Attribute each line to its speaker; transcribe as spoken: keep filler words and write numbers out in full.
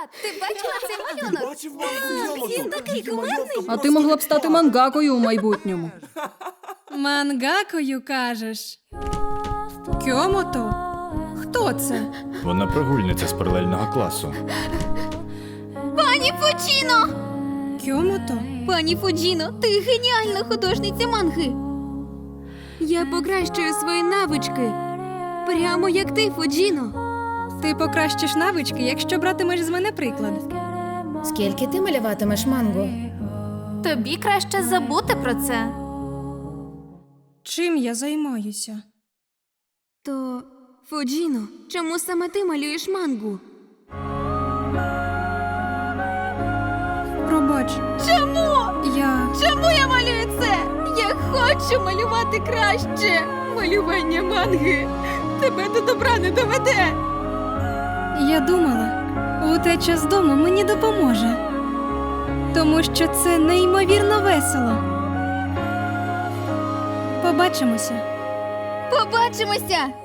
Speaker 1: Ти бачила цей малюнок?
Speaker 2: Бачив мангу
Speaker 1: Він такий кумедний.
Speaker 3: А ти могла б стати мангакою у майбутньому.
Speaker 4: Мангакою, кажеш? Кьомото? Хто це?
Speaker 5: Вона прогульниця з паралельного класу.
Speaker 1: Пані Фуджіно!
Speaker 4: Кьомото?
Speaker 1: Пані Фуджіно, ти геніальна художниця манги. Я покращую свої навички. Прямо як ти, Фуджіно.
Speaker 4: Ти покращиш навички, якщо братимеш з мене приклад.
Speaker 6: Скільки ти малюватимеш мангу?
Speaker 1: Тобі краще забути про це.
Speaker 4: Чим я займаюся?
Speaker 1: То, Фуджіно, чому саме ти малюєш мангу?
Speaker 4: Пробач,
Speaker 1: Чому?
Speaker 4: я...
Speaker 1: Чому я малюю це? Я хочу малювати краще. Малювання манги тебе до добра не доведе.
Speaker 4: Я думала, утеча з дому мені допоможе. Тому що це неймовірно весело. Побачимося.
Speaker 1: Побачимося!